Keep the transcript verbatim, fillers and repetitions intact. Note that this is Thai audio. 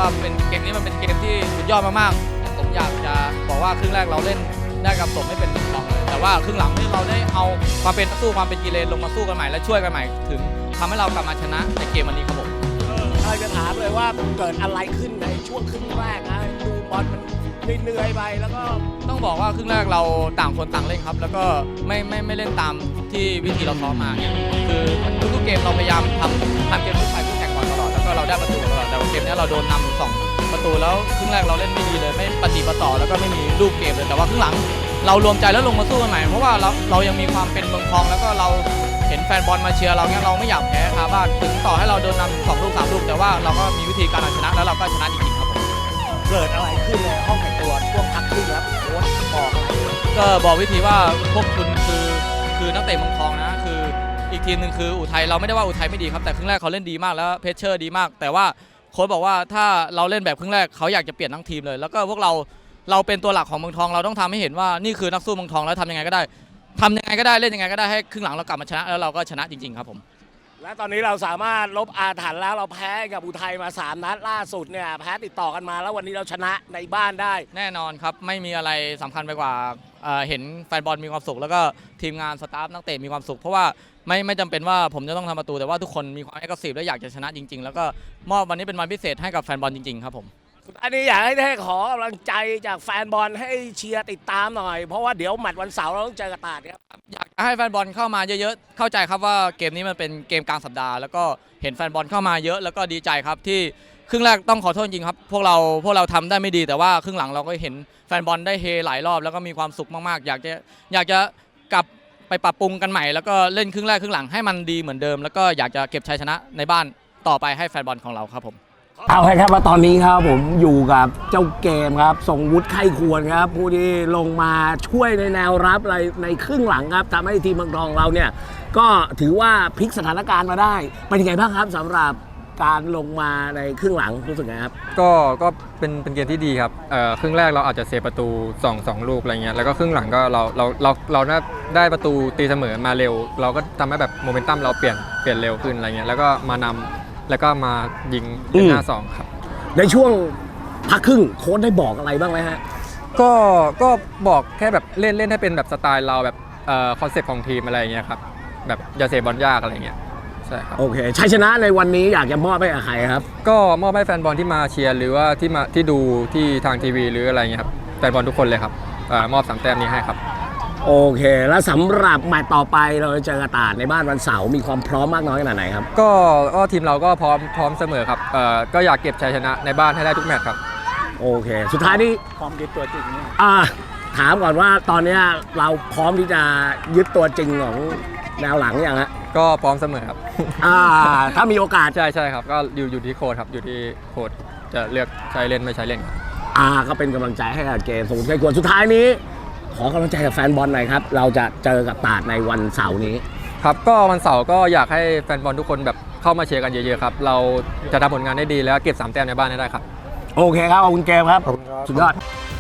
ว่าเป็นเกมนี้มันเป็นเกมที่สุดยอดมากๆผมอยากจะบอกว่าครึ่งแรกเราเล่นได้กับสมไม่เป็นรองเลยแต่ว่าครึ่งหลังที่เราได้เอาความเป็นสู้ความเป็นกีฬาลงมาสู้กันใหม่และช่วยกันใหม่ถึงทำให้เรากลับมาชนะในเกมวันนี้ครับผมเราจะถามเลยว่าเกิดอะไรขึ้นในช่วงครึ่งแรกนะดูบอลมันเหนื่อยไปแล้วก็ต้องบอกว่าครึ่งแรกเราต่างคนต่างเล่นครับแล้วก็ไม่ไม่ไม่เล่นตามที่วิธีเราซ้อมมาเนี่ยคือทุกๆเกมเราพยายามทำทำเกมลุกไปคู่แข่งก่อนตลอดแล้วก็เราได้ประตูตลอดแต่เกมนี้เราโดนนำสองประตูแล้วครึ่งแรกเราเล่นไม่ดีเลยไม่ปฏิปต่อแล้วก็ไม่มีลูกเกมเลยแต่ว่าครึ่งหลังเรารวมใจแล้วลงมาสู้กันใหม่เพราะว่าเราเรายังมีความเป็นเมืองทองแล้วก็เราเห็นแฟนบอลมาเชียร์เราเนี่ยเราไม่อยากแพ้คาบ้านถึงต่อให้เราโดนนำสองลูกสามลูกแต่ว่าเราก็มีวิธีการเอาชนะแล้วเราก็ชนะจริงๆครับผมเกิดอะไรขึ้นในห้องแต่งตัวช่วงพักครึ่งครับโค้ชบอกอะไรก็บอกวิธีว่าพวกคุณคือคือนักเตะเมืองทองนะคืออีกทีมหนึ่งคืออุทัยเราไม่ได้ว่าอุทัยไม่ดีครับแต่ครึ่งแรกเขาเล่นดีมากแล้วเพชเชอร์ดีมากแต่ว่าโค้ชบอกว่าถ้าเราเล่นแบบครึ่งแรกเขาอยากจะเปลี่ยนทั้งทีมเลยแล้วก็พวกเราเราเป็นตัวหลักของเมืองทองเราต้องทำให้เห็นว่านี่คือนักสู้เมืองทองแล้วทำยังไงก็ได้ทำยังไงก็ได้เล่นยังไงก็ได้ให้ครึ่งหลังเรากลับมาชนะแล้วเราก็ชนะจริงๆครับผมและตอนนี้เราสามารถลบอาถรรพ์แล้วเราแพ้กับอุทัยมาสามนัดล่าสุดเนี่ยแพ้ติดต่อกันมาแล้ววันนี้เราชนะในบ้านได้แน่นอนครับไม่มีอะไรสำคัญไปกว่าเห็นแฟนบอลมีความสุขแล้วก็ทีมงานสตาฟนักเตะมีความสุขเพราะว่าไม่ไม่จำเป็นว่าผมจะต้องทำประตูแต่ว่าทุกคนมีความเอ็กซ์ซีฟและอยากจะชนะจริงๆแล้วก็มอบวันนี้เป็นวันพิเศษให้กับแฟนบอลจริงๆครับผมอันนี้อยากให้ได้ขอกำลังใจจากแฟนบอลให้เชียร์ติดตามหน่อยเพราะว่าเดี๋ยวแมตช์วันเสาร์เราต้องเจอกับตราดครับอยากให้แฟนบอลเข้ามาเยอะๆเข้าใจครับว่าเกมนี้มันเป็นเกมกลางสัปดาห์แล้วก็เห็นแฟนบอลเข้ามาเยอะแล้วก็ดีใจครับที่ครึ่งแรกต้องขอโทษจริงครับพวกเราพวกเราทำได้ไม่ดีแต่ว่าครึ่งหลังเราก็เห็นแฟนบอลได้เฮหลายรอบแล้วก็มีความสุขมากๆอยากจะอยากจะกลับไปปรับปรุงกันใหม่แล้วก็เล่นครึ่งแรกครึ่งหลังให้มันดีเหมือนเดิมแล้วก็อยากจะเก็บชัยชนะในบ้านต่อไปให้แฟนบอลของเราครับผมเอาละครับว่าตอนนี้ครับผมอยู่กับเจ้าเกมครับทรงวุฒิไข้ควรครับผู้ที่ลงมาช่วยในแนวรับอะไรในครึ่งหลังครับทำให้ทีมเมืองทองเราเนี่ยก็ถือว่าพลิกสถานการณ์มาได้เป็นยังไงบ้างครับสำหรับการลงมาในครึ่งหลังรู้สึกไงครับก็ก็เป็นเป็นเกมที่ดีครับเอ่อครึ่งแรกเราอาจจะเสียประตูสอง สองลูกอะไรเงี้ยแล้วก็ครึ่งหลังก็เราเราเราเราได้ประตูตีเสมอมาเร็วเราก็ทำให้แบบโมเมนตัมเราเปลี่ยนเปลี่ยนเร็วขึ้นอะไรเงี้ยแล้วก็มานำแล้วก็มายิงเป็นห้าสองครับในช่วงพักครึ่งโค้ชได้บอกอะไรบ้างไหมฮะก็ก็บอกแค่แบบเล่นเล่นให้เป็นแบบสไตล์เราแบบเอ่อคอนเซ็ปต์ของทีมอะไรเงี้ยครับแบบอย่าเสียบอลยากอะไรเงี้ยใช่ครับโอเคชัยชนะในวันนี้อยากจะมอบให้กับใครครับก็มอบให้แฟนบอลที่มาเชียร์หรือว่าที่มาที่ดูที่ทางทีวีหรืออะไรเงี้ยครับแฟนบอลทุกคนเลยครับเอ่อมอบสามแต้มนี้ให้ครับโอเคแล้วสำหรับแมตช์ต่อไปเราจะเจอกระต่ายในบ้านวันเสาร์มีความพร้อมมากน้อยขนาดไหนครับก็ก็ทีมเราก็พร้อมพร้อมเสมอครับเอ่อก็อยากเก็บชัยชนะในบ้านให้ได้ทุกแมตช์ครับโอเคสุดท้ายนี้พร้อมยึดตัวจริงเนี่ยอ่าถามก่อนว่าตอนนี้เราพร้อมที่จะยึดตัวจริงของแนวหลังอย่างฮะก็พร้อมเสมอครับอ่าถ้ามีโอกาสใช่ใช่ครับก็อยู่อยู่ที่โค้ชครับอยู่ที่โค้ชจะเลือกใช้เล่นไม่ใช้เล่นครับอ่าก็เป็นกำลังใจให้กับเกมสมุทรไทยกวนสุดท้ายนี้ขอกำลังใจกับแฟนบอลหน่อยครับเราจะเจอกับตราดในวันเสาร์นี้ครับก็วันเสาร์ก็อยากให้แฟนบอลทุกคนแบบเข้ามาเชียร์กันเยอะๆครับเราจะทำผลงานได้ดีแล้วเก็บสามแต้มในบ้านให้ได้ครับโอเคครับขอบคุณเกมครับสุดยอด